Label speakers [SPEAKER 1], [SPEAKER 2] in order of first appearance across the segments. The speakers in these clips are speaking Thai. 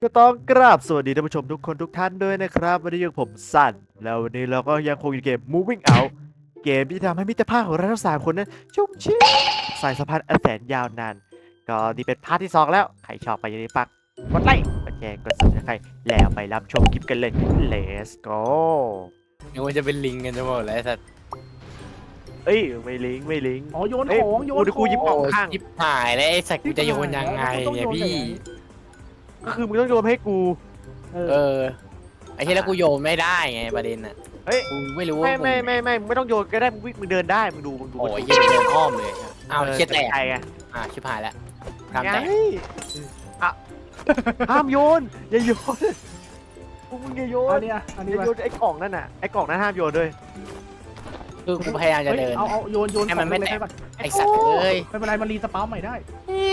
[SPEAKER 1] ก็ต้องกราบสวัสดีท่านผู้ชมทุกคนทุกท่านด้วยนะครับวันนี้อยู่กับผมสันแล้ววันนี้เราก็ยังคงอยู่เกม Moving Out เกมที่ทำให้มิตรภาพของเราทั้งสามคนนั้นชุ่มชื่นสายสัมพันธ์อันแสนยาวนานก็นี่เป็นพาร์ทที่2แล้วใครชอบไปอย่าลืมฝากกดไลค์กดแชร์กด Subscribe แล้วไปรับชมคลิปกันเลย Let's go
[SPEAKER 2] นึกว่าจะเป็นลิงกันจะหมดแล้วไอ้สัตว์
[SPEAKER 1] เอ้ยไม่ลิงก์
[SPEAKER 3] อ๋อโยน
[SPEAKER 1] เอ้ย
[SPEAKER 3] ของโยน
[SPEAKER 1] กูหยิบของ
[SPEAKER 2] โอ้ย
[SPEAKER 1] ข้าง
[SPEAKER 2] ชิบหายแล้วไอ้สัตว์กูจะโยนยังไงเนี่ยพี่
[SPEAKER 1] ก็คือมึงต้องโยนให้กู
[SPEAKER 2] เออไอ้ที่แล้วกูโยนไม่ได้ไงประเด็นอ่ะ
[SPEAKER 1] เฮ้ย
[SPEAKER 2] กูไม่รู้ว่า
[SPEAKER 1] ไม่มึงไม่ต้องโยนก็ได้มึงวิ่งมึงเดินได้มึงดู
[SPEAKER 2] โอ้ยยังเดินอ้อมเลยอ้าวเช็ดแตก
[SPEAKER 1] ใครไง
[SPEAKER 2] ชิบหายแล้วทำ
[SPEAKER 1] ไง
[SPEAKER 2] แตก
[SPEAKER 1] อ่ะห้ามโยนอย่าโยนมึงอย่าโย
[SPEAKER 3] อั
[SPEAKER 1] น
[SPEAKER 3] นเนี้ยอัน
[SPEAKER 1] อ
[SPEAKER 3] นี้
[SPEAKER 1] ย่าโยนไอ้กล่องนั่นน่ะไอ้กล่องนั้นห้ามโยนด้วย
[SPEAKER 2] คือกูพยายามจะเดิน
[SPEAKER 3] เอาโยน
[SPEAKER 2] ให้มันไม่แตก
[SPEAKER 3] ของ
[SPEAKER 2] ไอ้สัตว์เอ้ย
[SPEAKER 3] ไม่เป็นไรมันรีสปาร์ใหม่ได้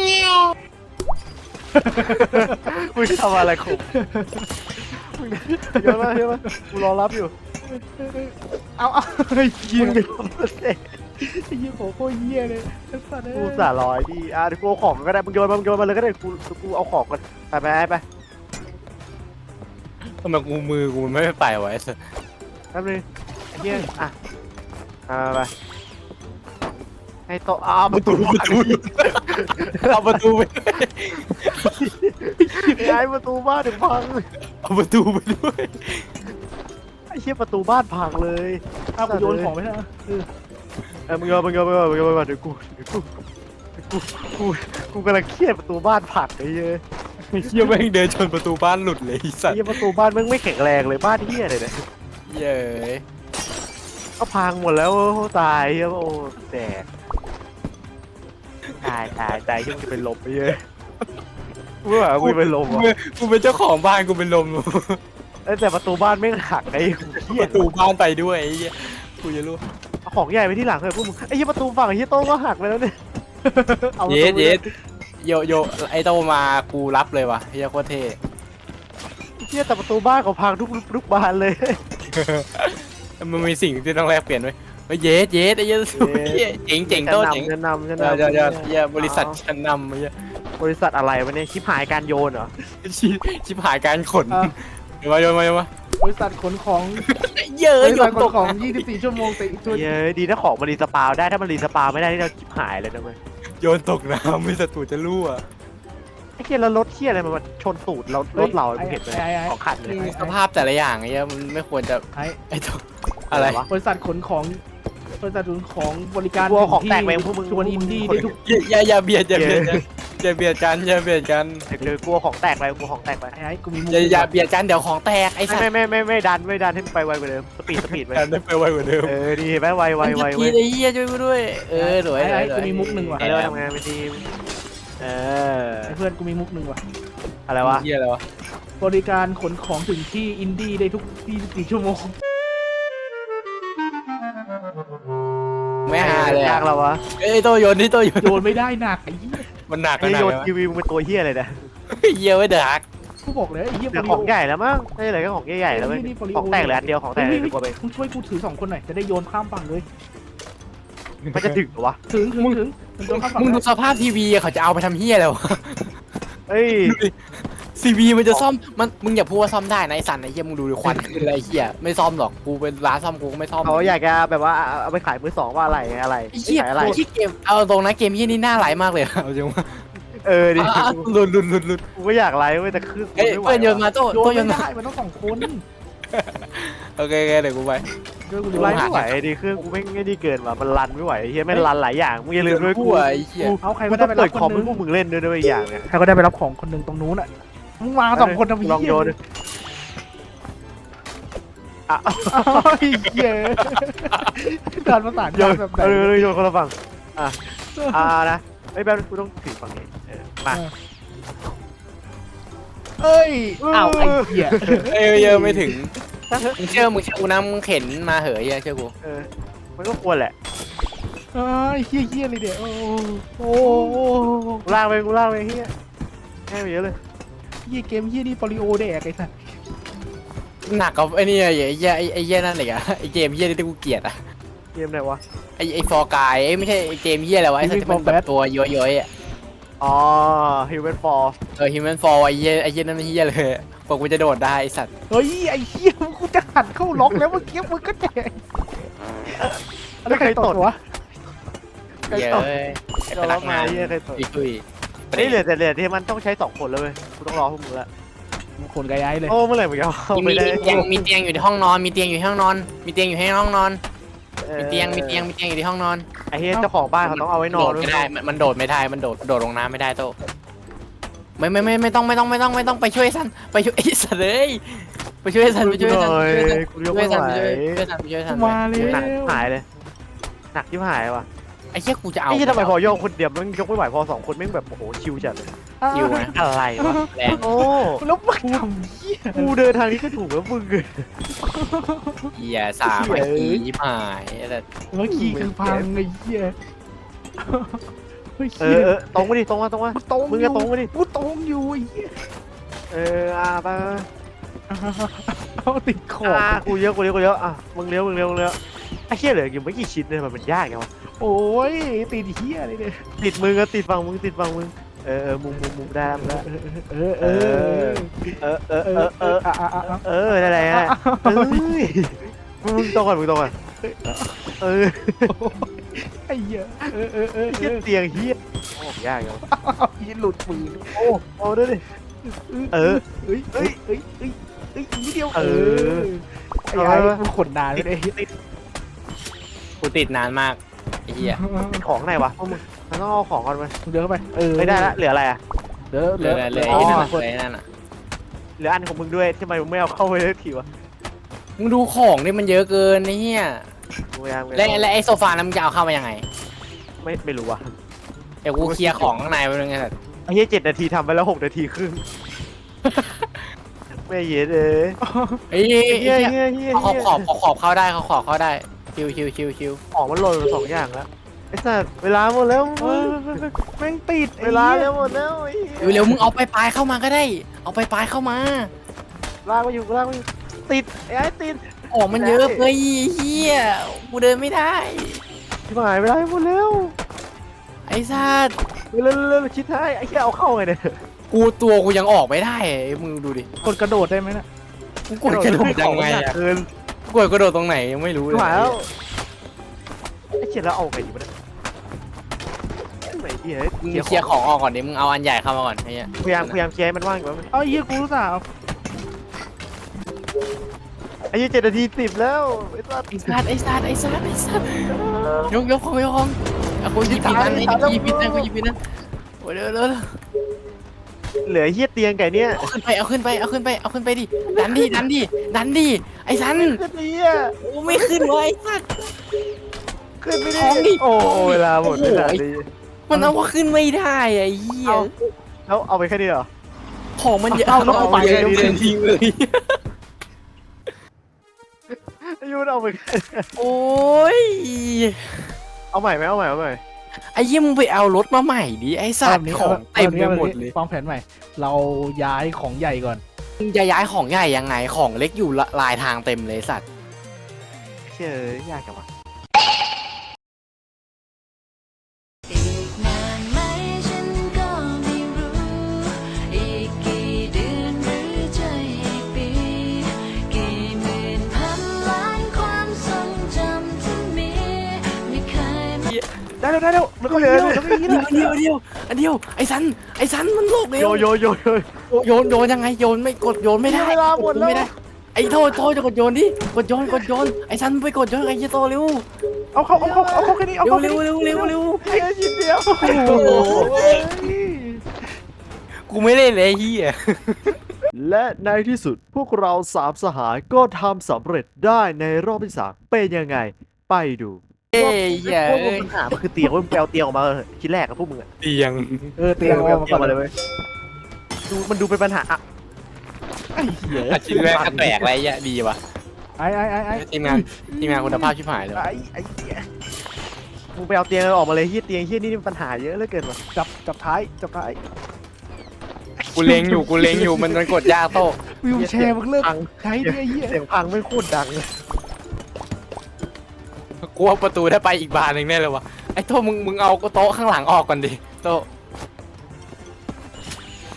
[SPEAKER 1] มึงทำอะไรของมึงโยนมากูรอรับอยู่
[SPEAKER 3] เอาเฮ้ยเยี่ย
[SPEAKER 1] มึง
[SPEAKER 3] เลย
[SPEAKER 1] โยนมาเสร็จ
[SPEAKER 3] เยี่ยโคตรเยี่ยเลยไอ้สัตว์
[SPEAKER 1] กูสาร้อยดีเดี๋ยวกูเอาของก็ได้มึงโยนมาเลยก็ได้กูเอาของกันไป
[SPEAKER 2] ทำไมกูมือกูมันไม่ไปวะไอ้สัตว์
[SPEAKER 1] แป๊บนึงไอ้เหี้ยไปให้โต๊ะประตู
[SPEAKER 2] เอาประตูไป
[SPEAKER 1] ย้ายประตูบ้านถึงพัง
[SPEAKER 2] เอาประตูไปด้วย
[SPEAKER 1] ไอ้เหี้ยประตูบ้านพังเลย
[SPEAKER 3] เอากูโยนของไปนะ
[SPEAKER 1] มึงโยนเดี๋ยวกูกำลังเครียดประตูบ้านผักไอ้เหี้ย
[SPEAKER 2] เฮียแม่งเดินชนประตูบ้านหลุดเลยไอ้สัตว์
[SPEAKER 1] เหี้ยประตูบ้านมึงไม่แข็งแรงเลยบ้านเหี้ยเลยเนี่ย
[SPEAKER 2] เย้ย
[SPEAKER 1] ก็พังหมดแล้วตายเหี้ยโอ้แตกตายที่มึงจะเป็นลมไปเยอะกูว่ากูเป็นลม
[SPEAKER 2] กูเป็นเจ้าของบ้านกูเป็นลม
[SPEAKER 1] แต่ประตูบ้านไม่หักไอ้เครีย
[SPEAKER 2] ป
[SPEAKER 1] ด
[SPEAKER 2] ระตูบ้านไปด้วยไอ้เหี้ยกูจะรู้
[SPEAKER 1] เอาของใหญ่ไปที่หลังเลยพวกมึงไอ้เหี้ยประตูฝั่งไอ้เหี้ยโต้งก็หักไปแล้วเนี่ย
[SPEAKER 2] เยสโยไอโตมากูรับเลยวะเฮียโคตรเท่
[SPEAKER 1] เหี้ยแต่ประตูบ้านเขาพังทุกบานเลย
[SPEAKER 2] มันมีสิ่งที่ต้องแลกเปลี่ยนไว้เยสไอ้เหี้ยเจ๋งโตเจ๋ง
[SPEAKER 1] จะนำ
[SPEAKER 2] เฮียบริษัทชั้นนำไอ้เฮีย
[SPEAKER 1] บริษัทอะไรวะเนี่ยชิบหายการโยนเหรอ
[SPEAKER 2] ชิบหายการขนโยนมา
[SPEAKER 3] บริษัทขนของ
[SPEAKER 2] เยอะ
[SPEAKER 3] บริ
[SPEAKER 2] โย
[SPEAKER 3] ษัท
[SPEAKER 2] น
[SPEAKER 3] ข
[SPEAKER 2] ต
[SPEAKER 3] น
[SPEAKER 2] ก
[SPEAKER 3] ของ24ชั่วโมงแต่อีกตัว
[SPEAKER 1] เย้ยดีนะของมันรีสปาวได้ถ้ามันรีสปาวไม่ได้ที่เราชิบหายเลยนะเว้ย
[SPEAKER 2] โยนตกน้ำไม่ศัตรูจะรั่ว
[SPEAKER 1] ไอ้เหี้ยแล้วรถเหี้ยอะไรมันชนตูดเรารถเรามึงเห็นไหมของขัดเลย
[SPEAKER 2] สภาพแต่ละอย่างไอ้เหี้ยมันไม่ควรจะ ไอ้ตัวอะไร
[SPEAKER 3] บริษัทขนของบริษัทขนของบริการ
[SPEAKER 1] กลัวของแตกไปพวกมึง
[SPEAKER 3] ชวนอินดี้ได้ทุก
[SPEAKER 2] อย่าเบียดกันอย่าเบียดกัน
[SPEAKER 1] เจอกลัวของแตกไปกลัวของแตกไป
[SPEAKER 3] ไอ้กูมีมุก
[SPEAKER 2] อย่าเบียดกันเดี๋ยวของแตกไอ้สัตว์
[SPEAKER 1] ไม่ดันให้มันไปไวกว่าเดิมสปีดไป
[SPEAKER 2] กันได้ไปไวกว่าเดิม
[SPEAKER 1] ดีเห็นไหมไว
[SPEAKER 2] ทีไอ้เหี้ยช่วยกูด้วยสวย
[SPEAKER 3] ไอ้กูมีมุกหนึ่งว่ะ
[SPEAKER 1] ไอ้เราทำงานเป็นทีม
[SPEAKER 3] ไอ้เพื่อนกูมีมุกหนึ่งว่ะ
[SPEAKER 1] อะไรวะ
[SPEAKER 2] เหี้ยอะไรวะ
[SPEAKER 3] บริการขนของถึงที่อินดี้ได้ทุก24ชั่วโมง
[SPEAKER 2] ไม่หาเลย
[SPEAKER 1] ยากเราวะ
[SPEAKER 2] เอ้ยโตโยนนี่โตโยน
[SPEAKER 3] โยนไม่ได้หนักไอ้เหี้ย
[SPEAKER 2] มันหนัก
[SPEAKER 1] ไอ้
[SPEAKER 2] นะ
[SPEAKER 1] โยนทีวีมึงเป็นตัวเหี้ยเลยนะ
[SPEAKER 2] เหี้ยไว้เดือด
[SPEAKER 3] กูบอกเลยไอ้เหี้ย
[SPEAKER 1] แต่ของใหญ่แล้วมั้งไม่ใช่อะไรก็ของใหญ่แล้วเว้ยของแตกเหลืออันเดียวของแตกเลยกลัวไป
[SPEAKER 3] มึงช่วยกูถือ2คนหน่อยจะได้โยนข้ามฝั่งเลย
[SPEAKER 1] มันจะถึงเหรอวะ
[SPEAKER 3] ถึงมึงโยนข้ามฝั่ง
[SPEAKER 2] มึงดูสภาพทีวีเขาจะเอาไปทำเหี้ยอะไรวะ
[SPEAKER 1] เอ้ย
[SPEAKER 2] ทีวีมันจะซ่อมมึงอย่าพูดว่าซ่อมได้นะไอ้สันไอ้เหี้ยมึงดูดิควันขึ้นอะไรเหี้ยไม่ซ่อมหรอกกูเป็นร้านซ่อมกูก็ไม่ซ่อม
[SPEAKER 1] เขาอยากจะแบบว่าเอาไปขายมือสองว่าอะไร
[SPEAKER 2] ไอ้เหี้ย
[SPEAKER 1] ขายอะไร
[SPEAKER 2] ที่เกมเอาตรงนะเกมเหี้ยนี่น่าไหลมากเลยเอาจริงว่า
[SPEAKER 1] ดิ
[SPEAKER 2] หลุด
[SPEAKER 1] กูก็อยากไลฟ์เว้ยแต่คือ
[SPEAKER 2] เอ้ยเพื่อนโยนมาโต้
[SPEAKER 3] โยน
[SPEAKER 2] โย
[SPEAKER 3] ไม่
[SPEAKER 2] นมา
[SPEAKER 3] ได้มันต้อง2คน
[SPEAKER 2] โอเคเดี๋ยวกูไป
[SPEAKER 3] ช่วยกู
[SPEAKER 1] กู
[SPEAKER 3] ดู
[SPEAKER 1] ไลฟ์ไม่ไหวดิเครื่องกูไม่ดีเกินว่ะมันรันไม่ไหวเฮียไม่รันหลายอย่างมึงอย่าลืมด้วย
[SPEAKER 2] กู
[SPEAKER 1] กู
[SPEAKER 2] ไอ้เหี้ย
[SPEAKER 3] เอาใคร
[SPEAKER 1] กู
[SPEAKER 3] ก็
[SPEAKER 1] ต้
[SPEAKER 3] ได้
[SPEAKER 1] อง
[SPEAKER 3] ไปรั
[SPEAKER 1] เปิ
[SPEAKER 3] บ
[SPEAKER 1] ด
[SPEAKER 3] ค
[SPEAKER 1] คอม
[SPEAKER 3] น
[SPEAKER 1] ให้
[SPEAKER 3] นึง
[SPEAKER 1] พวกมึงเล่นด้วยอีกอย่างเนี่ย
[SPEAKER 3] ใครก็ได้ไปรับของคนหนึ่งตรงนู้นอ่ะมึงมา2คนทำไม
[SPEAKER 1] ลองโยนอ่ะ
[SPEAKER 3] เหี้ยการประสาน
[SPEAKER 1] โย
[SPEAKER 3] งาน
[SPEAKER 1] น
[SPEAKER 3] แบบไหน
[SPEAKER 1] โยนคนละฝั่งนะไอ้แบบกูต้องถือฝั่งนี้มา
[SPEAKER 3] เอ้ยอ้าวไอ้เหี้ย
[SPEAKER 2] เยอะไม่ถึงมึงเชื่อกูนะมึงเข็นมาเหอะเหี้ยเชื่อกู
[SPEAKER 1] มันก็ควรแหละ
[SPEAKER 3] ไอ้เหี้ยเลยเดี๋ยวโอ้
[SPEAKER 1] กูลากไปเฮียแค่ไปเยอะเลย
[SPEAKER 3] เหี้ยเกมเหี้ยนี่ปริโอแดกไอ้สัส
[SPEAKER 2] หนักกับไอ้นี่ไอ้เหี้ยนั่นเลยอะไอ้เกมเหี้ยที่กูเกลียดอะ
[SPEAKER 1] เกมไหนวะ
[SPEAKER 2] ไอ้ฟอร์กายไม่ใช่ไอ้เกมเหี้ยอะไรวะไอ้สัตว์ที่มันแบบตัวย้อยๆอะ
[SPEAKER 1] อ๋อฮิวแมนฟอร์
[SPEAKER 2] ฮิวแมนฟอร์ไอ้เหี้ยนั่นไม่เหี้ยเลยกว่ากูจะโดดได้ไอ้สัตว์
[SPEAKER 3] เฮ้ยไอ้เหี้ยกูจะหันเข้าล็อกแล้วเมื่อกี้มึงก็แจกแล้วใครตดวะ
[SPEAKER 2] เหี้ยเอ้ยไอ้พนักงาน
[SPEAKER 1] เหี้ยใครตด
[SPEAKER 2] ตุย
[SPEAKER 1] นี่เหลือแต่เหลือที่มันต้องใช้2 คนแล้วเว้ยกูต้องรอพวกมึงละ
[SPEAKER 3] คนไกลไอ้เลย
[SPEAKER 1] โอ้เมื่อไหร่มึงจะเอา
[SPEAKER 2] มี
[SPEAKER 1] ไปได้
[SPEAKER 2] มีเตียงอยู่ในห้องนอนมีเตียงอยู่ในห้องนอนมีเตียงอยู่ในห้องนอนมีเตียงอยู่ที่ห้องนอน
[SPEAKER 1] ไอ้เหี้ยเจ้าของบ้านเขาต้องเอาไว้น
[SPEAKER 2] โด
[SPEAKER 1] อน
[SPEAKER 2] ด
[SPEAKER 1] ด้วย
[SPEAKER 2] ไม่ได้มันโดดไม่ได้มันโดดลงน้ำไม่ได้โตไม่ต้องไปช่วยสันไปช่วยไอ้สันเลยไปช่วยสันไปช่วยสัน
[SPEAKER 1] กูยกไม่ไหว
[SPEAKER 2] ไปช่วยสัน
[SPEAKER 3] มาเลย
[SPEAKER 1] หนักหายเลยหนักที่หายว่ะ
[SPEAKER 2] ไอ้เชี่ยกูจะเอา
[SPEAKER 1] ไอ้เหี้ยทำไมพอโยกคนเดียวมันยกไม่ไหวพอ2 คนแม่งแบบโอ้โหชิวจัดเลย
[SPEAKER 2] อยู่นะ
[SPEAKER 1] อะไรวะ
[SPEAKER 2] แรง
[SPEAKER 1] โอ้
[SPEAKER 3] แล้วมึงทำเหี้ย
[SPEAKER 1] กูเดินทางนี้ก็ถูกแล้วมึง
[SPEAKER 2] เหี้ยสามไอ้ขี้ยิบหายแต่
[SPEAKER 3] เมื่อกี้คือพังไอ้เหี้ยเฮ้ย
[SPEAKER 1] เออตรงมาดิตรงมา
[SPEAKER 3] กูตรง
[SPEAKER 1] มึงก็ตรงมาดิ
[SPEAKER 3] กูตรงอยู่ไอ้เหี้ย
[SPEAKER 1] ไป
[SPEAKER 3] เอาติดขอบ
[SPEAKER 1] กูเยอะอ่ะมึงเลี้ยวไอ้เหี้ยเหลืออยู่ไม่กี่ชิ้นเลยมันยากไงวะ
[SPEAKER 3] โอ้ยติดเหี้ยอะไรเนี่ย
[SPEAKER 1] ติดมึงก็ติดฝั่งมึงมุมได้มึงได้
[SPEAKER 3] เออเออ
[SPEAKER 1] นั่นแหละเอ้ยมึงตรงก่อน
[SPEAKER 3] ไอ้เหี้ย
[SPEAKER 1] เหี้ยเตียงเหี้ยโอ้ยากเหรอ
[SPEAKER 3] ยินหลุดมือ
[SPEAKER 1] โอ้ด้วยดิเออ
[SPEAKER 3] เอ้ยนิดเดียว
[SPEAKER 1] เออ
[SPEAKER 3] ไอ้มึงขนนานเลย
[SPEAKER 2] กูติดนานมากไอ้เหี้ย
[SPEAKER 1] เป็นของไหนวะพวกมึงมันต้องเอาของก่อนไป
[SPEAKER 3] เดินเข้าไป
[SPEAKER 1] ไม่ได้ละเหลืออะไรอ่ะ
[SPEAKER 3] เดิน
[SPEAKER 2] เลยไอ้นั่นน่ะ
[SPEAKER 1] เหลืออันของมึงด้วยทำไมมึงไม่เอาเข้าไปเลยทีวะ
[SPEAKER 2] มึงดูของนี่มันเยอะเกินไอ้เหี้ย
[SPEAKER 1] พยายาม
[SPEAKER 2] และไอ้โซฟานั้นมึงจะเอาเข้ามายังไง
[SPEAKER 1] ไม่รู้ว่ะ
[SPEAKER 2] เดี๋ยวกูเคลียร์ของข้างในไปเลยไงสัตว์
[SPEAKER 1] ไอ้เหี้ย7 นาทีทำไปแล้ว6 นาทีครึ่งไม่เย็นเลย
[SPEAKER 2] เฮ้ย
[SPEAKER 1] เฮีย
[SPEAKER 2] ขอบเข้าได้ขอบเข้าได้ชิว
[SPEAKER 1] ของมันหล่น2 อย่างแล้วไอ้สัตว์เวลาหมดแล้ว
[SPEAKER 3] แม่งติด
[SPEAKER 1] เวลาแล้วหมดแล้ว
[SPEAKER 2] เร็วมึงเอาไปปลายเข้ามาก็ได้ เอาไปปลายเข้ามา
[SPEAKER 1] ลากมาอยู่ติดไอ้ติด
[SPEAKER 2] ของมันเยอะเฮ้ยเฮียกูเดินไม่ได้
[SPEAKER 1] ชิบหายเวลาหมดแล้ว
[SPEAKER 2] ไอ้สัตว์
[SPEAKER 1] เร็วชิดท้ายไอ้เหี้ยเอาเข้าไงเนี่ย
[SPEAKER 2] กูยังออกไม่ได้มึงดูดิ
[SPEAKER 3] กดกระโดดได้ไหมน่ะ
[SPEAKER 2] กูกดกระโดดยังไงอะ
[SPEAKER 1] เกิน
[SPEAKER 2] กูกดกระโดดตรงไหนยังไม่รู้เล
[SPEAKER 1] ชิ
[SPEAKER 2] ย
[SPEAKER 1] บหายแล้วไอ้เขียนแล้วเอาไงดีวะเนี่ยไหนดี
[SPEAKER 2] มึงเคลียร์ของออกก่อนดิมึงเอาอันใหญ่เข้ามาก่อนไอ้เหี้ย
[SPEAKER 1] พยายามเคลียร์ให้มันว่างก่อน
[SPEAKER 3] เอาเหี้ยกูรู้สาว
[SPEAKER 1] ไอ้เหี้ย7 นาที10แล้วไอ้สัตว์
[SPEAKER 2] ไอ้สัตว์ยกของเอากูหยิบผิดนั่นกูหยิบผิดนั่นโอ้ยเร็ว
[SPEAKER 1] เหลือเหี้ยเตียงไก่เนี่ย
[SPEAKER 2] เอาขึ้นไปดิดันดิไอ้สัน
[SPEAKER 1] ขึ้นดีอ่ะ
[SPEAKER 2] โอ้ไม่ขึ้นวะไอ้สัตว์
[SPEAKER 1] ขึ้นไม่
[SPEAKER 2] ของดิ
[SPEAKER 1] ได้โอ้เวลาหมดเวลาดี
[SPEAKER 2] มันเอาว่าขึ้นไม่ได้ไอ้เหี้ย
[SPEAKER 1] แล้วเอาไปแค่นี้เหรอ
[SPEAKER 2] ของมันเยอะเอาไปเลยทิ้งเลย
[SPEAKER 1] ไอ้ยูนเอาไป
[SPEAKER 2] โอ้ย
[SPEAKER 1] เอาใหม่ไหมเอาใหม่
[SPEAKER 2] ไอ้เหี้ยมึงไปเอารถมาใหม่ดิไอ้สัตว์ของเต็มไปหมดเลย
[SPEAKER 3] วางแผนใหม่ เราย้ายของใหญ่ก่อน
[SPEAKER 2] มึงจะย้ายของใหญ่ยังไงของเล็กอยู่ลายทางเต็มเลยสัตว์
[SPEAKER 1] เชื่อยากจังวะ
[SPEAKER 4] อีกนานไหมฉันก็ไม่รู้ อีกกี่เดือนหรือจะอีกปี กี่หมื่นพันล้านความทรงจำที่มีไม่เคย
[SPEAKER 3] ได้แล้วแล้วก็เยอะแล้วก็อย่างนี้
[SPEAKER 2] อันเดียวไอ้สันมันโลกเลย
[SPEAKER 1] โย
[SPEAKER 2] โยนยังไงโยนไม่กดโยนไม่ได้
[SPEAKER 1] เวลาหมดแล้ว
[SPEAKER 2] ไม่ได้ไอ้โทจะกดโยนดิกดโยนไอ้สันไปกดโยนไอ้เหี้ยโตเร็ว
[SPEAKER 3] เอาเข้าแค่นี้เอาเข้าแค่นี้
[SPEAKER 2] เร็ว
[SPEAKER 1] ไอ้ชิ้นเดียว
[SPEAKER 3] โอ้โห
[SPEAKER 2] กูไม่เล่นเลยไอ้เหี้ย
[SPEAKER 1] และในที่สุดพวกเรา3 สหายก็ทำสำเร็จได้ในรอบที่ 3เป็นยังไงไปดู
[SPEAKER 2] เอ้ยเหี้ย
[SPEAKER 1] พวกมึงปัญหามันคือเตียงว่ามึงแปลเตียงออกมาชิ้นแรกกับพวกมึงอะ
[SPEAKER 2] เตียง
[SPEAKER 3] เตียง
[SPEAKER 1] แปล
[SPEAKER 3] เอามา
[SPEAKER 1] เตีย
[SPEAKER 3] ก่
[SPEAKER 1] ง
[SPEAKER 3] อน
[SPEAKER 1] มาเลยเว้ยมันดูเป็นปัญหาอะ
[SPEAKER 3] ไอ้เหี้ย
[SPEAKER 2] ชิ้นแรกก็แตกไรเหี้ยดีว่ะ
[SPEAKER 3] ไอ้
[SPEAKER 2] ทีมงานคุณภาพชิบหายเลย
[SPEAKER 3] ไอ้เหี้ย
[SPEAKER 1] มึงไปเอาเตียงออกมาเลยเฮียเตียงเฮียนี่ปัญหาเยอะเหลือเกินว่ะ
[SPEAKER 3] จับท้าย
[SPEAKER 2] กูเล็งอยู่มันกดยากโต
[SPEAKER 3] วิวแชร์มึงเลิกใช้ดิไอ้เหี้ย
[SPEAKER 1] เสียงพังไม่โคตรดังเลย
[SPEAKER 2] กลัวประตูได้ไปอีกบานหนึ่งแน่เลยวะไอ้โตมึงเอาโต๊ะข้างหลังออกก่อนดิโต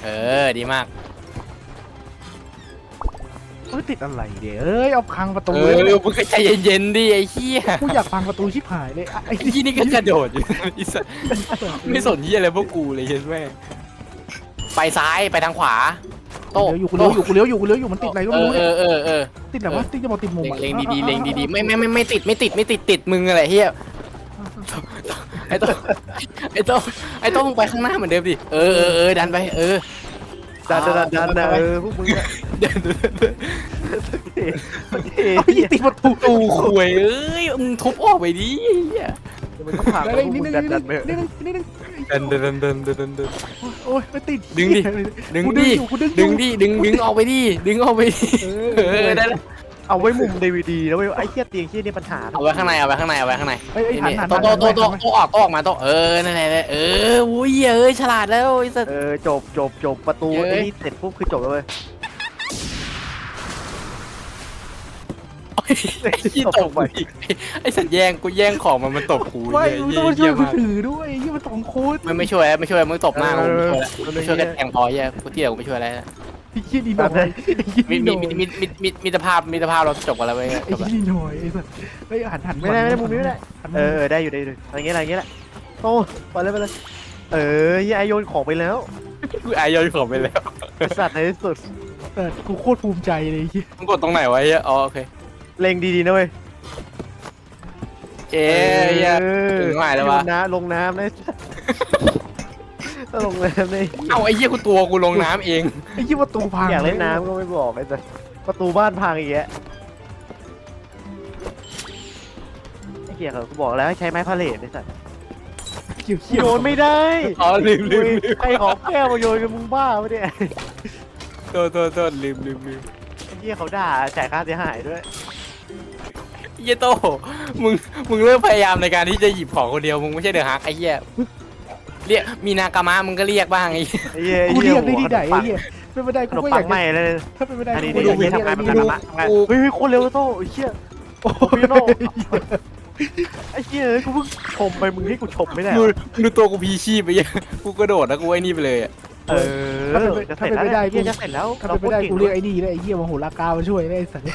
[SPEAKER 2] ดีมาก
[SPEAKER 3] เฮ้ยติดอะไรเดี๋ยวเอาพังประตู
[SPEAKER 2] เอ
[SPEAKER 3] เลย
[SPEAKER 2] อมึงก็ใจเย็นๆดิไอ้เหี้ย
[SPEAKER 3] กูอยากพังประตูชิบหายเลยไอ้
[SPEAKER 2] ไอ้ที่นี่ก็กระโดดอยู่ ไอ้สัสไม่สนเหี้ยอะไรพวกกูเลยเห็นไหมไปซ้ายไปทางขวาโต้
[SPEAKER 3] กูเลี้ยวอยู่กูเลี้ยวอยู่มันติดอะไรก็ไม่รู้
[SPEAKER 2] เอ
[SPEAKER 3] เนี่ย
[SPEAKER 2] อ
[SPEAKER 3] ติดอะไรวะติดจะบอกติดมุมอะ
[SPEAKER 2] เล็งดีๆเล็งดีๆไม่ติดมึงอะไรเฮียไอ้โต้มึงไปข้างหน้าเหมือนเดิมดิดันไป
[SPEAKER 1] ดันนะพวกมึงอะ
[SPEAKER 2] เดิน
[SPEAKER 3] เอายิงติดประตู
[SPEAKER 2] ตูคุยมึงทุบออกไปดิเฮีย
[SPEAKER 1] มันต้องผ่าน
[SPEAKER 3] อะไร
[SPEAKER 1] พวก
[SPEAKER 3] นิด
[SPEAKER 1] มึ
[SPEAKER 3] นึ
[SPEAKER 1] ง
[SPEAKER 3] ง
[SPEAKER 1] ดันไป
[SPEAKER 3] นิดนึงนิดนึง
[SPEAKER 2] เดิน
[SPEAKER 3] โอ้ยไม่ติด
[SPEAKER 2] ดึงดิ ดึง
[SPEAKER 3] กู
[SPEAKER 2] ดิ
[SPEAKER 3] อยู่กูดึง
[SPEAKER 2] ดึงออกไปดิดึงออกไปดิได้แล้ว
[SPEAKER 1] เอาไว้มุมดีวีดีแล้วเว้ยไอ้เหี้ยเตียงเหี้ยนี่ปัญหา
[SPEAKER 2] เอาไว้ข้างใน
[SPEAKER 3] ไอ้หัน
[SPEAKER 2] โตออกมาโตนั่นแหละอุ้ยฉลาดแล้วไอ้สัส
[SPEAKER 1] จบประตูไอ้นี่เสร็จปุ๊บคือจบแล้วเว้ย
[SPEAKER 2] ที่ตบไปไอ้สัตว์แย่งกูแย่งของมันตบกู
[SPEAKER 3] ไม่
[SPEAKER 2] เหี้
[SPEAKER 3] มึงต้องมาช่วย
[SPEAKER 2] ย
[SPEAKER 3] กู
[SPEAKER 2] มาก
[SPEAKER 3] ถือด้วยยี่มันสองคน
[SPEAKER 2] มันไม่ช่วยมึงตบหน้ากูไม่ช่วยกันแทงพอเหี้ยกูเตี้ยกูไม่ช่วยอะไร
[SPEAKER 3] ไอ้ยี่ดีหน่อยไอ้ยี่
[SPEAKER 2] มี
[SPEAKER 3] ดีห
[SPEAKER 2] มี
[SPEAKER 3] น่อย
[SPEAKER 2] มิตรภาพเราจบกันแล้วเว้ย
[SPEAKER 3] ไอ้ยี่ดีหน่อยไอ้สัสไอ้หัน
[SPEAKER 1] ไม่ได้มุมนี้ไม่ได้ได้อยู่อะไรเงี้ยแหละโอ้ไปเลยยี่ไอโยนของไปแล้ว
[SPEAKER 2] กูอายยอยของไปแล้ว
[SPEAKER 1] สัตว์ในที่สุด
[SPEAKER 3] แต่กูโคตรภูมิใจเลยยี่
[SPEAKER 2] มึงกดตรงไหนวะเหี้ยอ๋อโอเค
[SPEAKER 1] เล็งดีๆนะเว้ย
[SPEAKER 2] ถึงหมายแล้ววะ
[SPEAKER 1] ลงน้ำนะลงน้ำเลย
[SPEAKER 2] เอาไอ้เหี้ยกูลงน้ำเอง
[SPEAKER 3] ไอ้ยี่ประตูพัง
[SPEAKER 1] อยากเล่นน้ำก็ไม่บอกไอ้สัสประตูบ้านพังอีกแล้วไอ้เหี้ยเขาบอกแล้วให้ใช้ไม้พาเลทไอ้สัส
[SPEAKER 3] เขียว
[SPEAKER 1] โยนไม่ได้
[SPEAKER 2] อ๋อลืม
[SPEAKER 1] ใครของแก้วมาโยนกันมึงบ้าปะเนี่ย
[SPEAKER 2] โทษลืม
[SPEAKER 1] ไอ้เหี้ยเขาด่าจ่ายค่าเสียหายด้วย
[SPEAKER 2] เหี้ยโตมึงเริ่มพยายามในการที่จะหยิบของคนเดียวมึงไม่ใช่เดอะฮักไอ้เหี้ยเรียกมีนากามะมึงก็เรียกบ้างไอ้
[SPEAKER 1] ไอ้เหี้ย
[SPEAKER 3] กูเรียกได้ที่ไหนไอ้ยี่เป็นไม่ได้
[SPEAKER 1] ข
[SPEAKER 3] กู
[SPEAKER 1] นม
[SPEAKER 3] ก็อ
[SPEAKER 1] ปั
[SPEAKER 3] ยาง ก
[SPEAKER 1] ใหม่เลย
[SPEAKER 3] ถ้าเป็นไม่ได้
[SPEAKER 1] อันนี้
[SPEAKER 3] กู
[SPEAKER 1] เดี๋
[SPEAKER 3] อยาก
[SPEAKER 1] ยวทำงาน
[SPEAKER 3] เรี
[SPEAKER 1] ทำ
[SPEAKER 3] ยก
[SPEAKER 1] งานเฮ้ยโคตรเร็วโต้ไอ้เหี้ยโอ้พี่โน่ไอ้เหี้ยกูเพิ่งชมไปมึงให้กูชมไม่ได้
[SPEAKER 2] ดูตัวกูพีชีพไปยังกูกระโดดแล้วกูไอ้นี่ไปเลยอ่ะ
[SPEAKER 1] จะเสร็จแล้วเหี้ยจะเสร็จแล้ว
[SPEAKER 3] ถ้าเป็นไม่ได้กูเรียกไอ้นี่เลยไอ้ยี่มาโหรากามาช่วยได้ไอ้สัส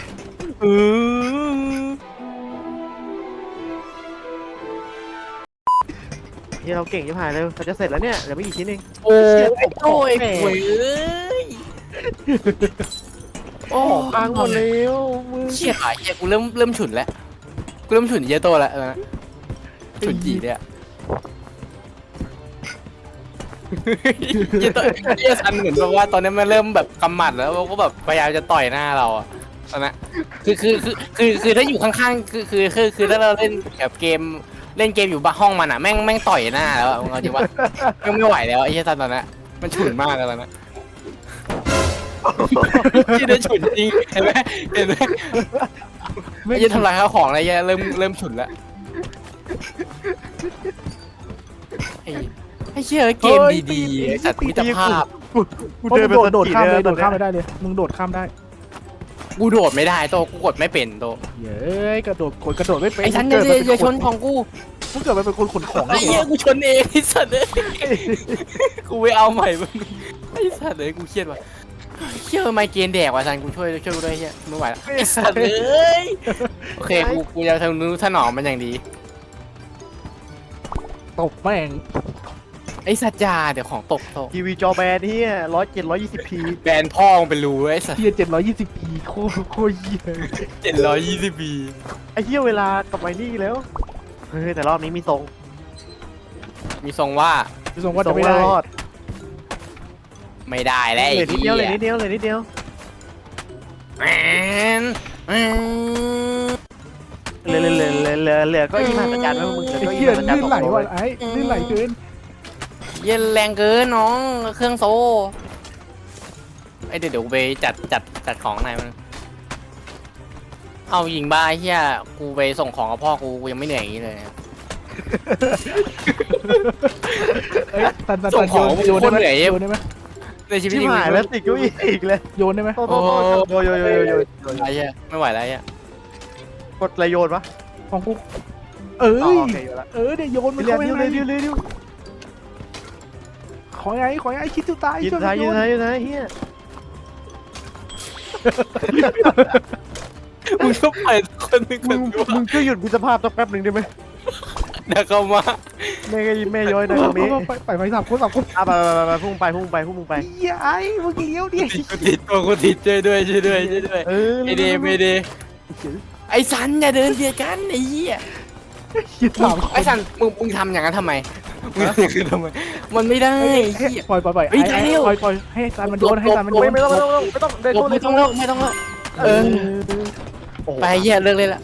[SPEAKER 1] เหี้ยเราเก่งยิ่งหายเลยเราจะเสร็จแล้วเนี่ยเดี๋ยวไม่กี่ชิ้นเอง
[SPEAKER 2] โอ้ยโอ้ยโอ้ย
[SPEAKER 1] โอ้พังหมดแล้วมึง
[SPEAKER 2] เชี่ยเฮียกูเริ่มฉุนแล้วกูเริ่มฉุนเยโตแล้วนะฉุนจีเนี่ยเยโตเยซันเหมือนแบบว่าตอนนี้มันเริ่มแบบกำหมัดแล้วก็แบบพยายามจะต่อยหน้าเราอ่ะตอนนั้นคือถ้าอยู่ข้างๆคือถ้าเราเล่นแบบเกมเล่นเกมอยู่บ้านห้องมันอ่ะแม่งต่อยหน้าแล้วมึงเอาจริงว่าไม่ไหวแล้วไอ้เหี้ยซันตอนนั้นมันฉุนมากแล้วนะที่ได้ฉุนจริงเห็นไหมยังทำลายข้าวของอะไรเริ่มฉุนแล้วไอ้เชี่ยเกมดีๆสัตว์มิตรภาพ
[SPEAKER 1] กูเดินไป
[SPEAKER 3] โดดข้ามเลยโดดข้ามไม่ได้เลยมึงโดดข้ามได้
[SPEAKER 2] กูโดดไม่ได้โตกูกดไม่เป็นโต
[SPEAKER 3] เย้ยกระโดดไม่เป็น
[SPEAKER 2] ไอ้ฉันอย่าชนของกู
[SPEAKER 3] มึงเกิดมาเป็นคนขนของ
[SPEAKER 2] ไอ้เหี้ยกูชนเองไอ้สัตว์เลยกูไปเอาใหม่มึงไอ้สัตว์เลยกูเครียดว่ะเชื่อไมเกรนแดกว่ะซันกูช่วยกูด้วยเฮียไม่ไหวแล้วไอ้สัตว์เลยโอเคกูจะทำนู้ถนอมมันอย่างดี
[SPEAKER 3] ตบแม่ง
[SPEAKER 2] ไอ้สัตว์ยาเดี๋ยวของตก
[SPEAKER 1] ทีวีจอแบนเฮีย120p
[SPEAKER 2] แบนพ่อมึงเป็นรูไอ้สัตว์
[SPEAKER 3] เฮีย720p โคตรเฮีย
[SPEAKER 2] 720 ปี
[SPEAKER 1] ไอ้เฮียเวลากับไอ้นี่แล้วเฮ้ยแต่รอบนี้มีทรง
[SPEAKER 2] มีทรงว่า
[SPEAKER 3] พี่สงว่าจะไม่ได้
[SPEAKER 1] รอด
[SPEAKER 2] ไม่ได้แล้ว
[SPEAKER 1] เห
[SPEAKER 2] ไอ้
[SPEAKER 1] ลือนิดเดียวเลยนิดเดียว
[SPEAKER 2] แมน
[SPEAKER 1] เหลือก็อีมาประจานไว้มึงเหลือ
[SPEAKER 3] ไอ้
[SPEAKER 1] ก็อี
[SPEAKER 3] เฮีย
[SPEAKER 1] มาประจาน
[SPEAKER 3] ลื่นไหลว่ะไอ้ลื่นไหลเกิน
[SPEAKER 2] เย็นแรงเกินน้องเครื่องโซไอเดี๋ยวกูไปจัดของไหนมันเอายิงบ้าเฮียกูไปส่งของกับพ่อกูยังไม่เหนื่อยอย่างนี้เลย
[SPEAKER 3] ส่งของโยนได้ไหมโยนได้ไหม
[SPEAKER 2] ในชีวิต
[SPEAKER 1] ชิบหายแล้วติดก็อีกเลย
[SPEAKER 3] โยนได้ไหม
[SPEAKER 1] โตโยน
[SPEAKER 2] ไอ้เหี้ยไม่ไหวแล้วไอ้เหี้ย
[SPEAKER 1] กดระโยนปะ
[SPEAKER 3] ของกูเอ้ย
[SPEAKER 1] โอเคอยู่ละ
[SPEAKER 3] เดี๋ยวโยนมัน
[SPEAKER 1] เร็
[SPEAKER 3] เข้าว ไป
[SPEAKER 1] เร็ว
[SPEAKER 3] ใน
[SPEAKER 1] เร็วเร็ว
[SPEAKER 3] ขของไงคิดตัวตาย
[SPEAKER 1] ยืน
[SPEAKER 3] ช่วย
[SPEAKER 1] ซ้าย
[SPEAKER 3] โ
[SPEAKER 1] ยืนซ้ายยืนซ้ายเฮีย
[SPEAKER 2] มึงก็ไปคนหนึงค
[SPEAKER 1] มึ
[SPEAKER 2] น
[SPEAKER 1] ง
[SPEAKER 2] ดู
[SPEAKER 1] มึงช่วยหยุดมิตรภาพสักแป๊บหนึ่งได้ไหม
[SPEAKER 2] เดี๋ยวเข้ามา
[SPEAKER 1] แม่ย้อยนะตรงนี้
[SPEAKER 3] ไปสามคน
[SPEAKER 1] อ่ะไปพุ่งไปพุ่งไปพุ่งไป
[SPEAKER 3] เหี้ยไอ้มึงเลี้ยวดิ
[SPEAKER 2] กูติดตัวกูติดช่วยด้วยช่วยด้วยช่วยด้วย
[SPEAKER 1] เออ
[SPEAKER 2] ไม่ดีไม่ดีไอ้สันอย่าเดินเบียดกันไอ้เหี้ย
[SPEAKER 3] เหี้ยสาม
[SPEAKER 2] ไอ้สันมึงทำอย่างนั้นทำไมมึงทำอย่างนั้นทำไมมันไม่ได้ไอ้เหี้ย
[SPEAKER 3] ปล่อย
[SPEAKER 2] เฮ้ยได้เร็ว
[SPEAKER 3] ปล่อยให้ซันมันโดนให้ซันมันโดน
[SPEAKER 1] ไม่ต้องเดิน
[SPEAKER 2] ไม่ต้องเลิกไม่ต้องเลิกเออไปเหี้ยเลิกเลยล่ะ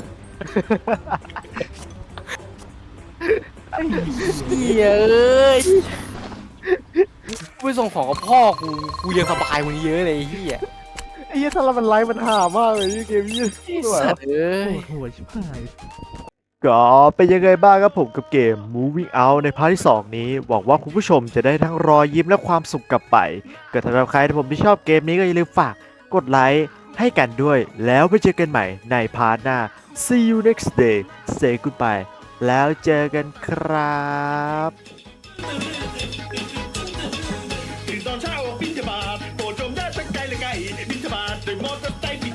[SPEAKER 2] เหี้ยเอ้ยกูไปส่งของกับพ่อกูยังสบายกว่านี้เยอะเลยไอ้เหี้ย
[SPEAKER 1] ไอ้เหี้ยถ้าเรามันไลฟ์มันห่ามากเลยเกมนี้
[SPEAKER 2] สัตว์เอ้ย
[SPEAKER 3] โอ้โหชิบหาย
[SPEAKER 1] ก็เป็นยังไงบ้างครับผมกับเกม Moving Out ในพาร์ทที่ 2 นี้หวังว่าคุณผู้ชมจะได้ทั้งรอยยิ้มและความสุขกลับไปก็สำหรับใครที่ผมที่ชอบเกมนี้ก็อย่าลืมฝากกดไลค์ให้กันด้วย แล้วไปเจอกันใหม่ในพาร์ทหน้า See you next day say goodbye แล้วเจอกันครับ
[SPEAKER 5] ตื่นตอนเช้าออกบิณฑบาตโปรดจงได้ตั้งใจและไกลบิณฑบาตด้วยมอเตอร์ไซค์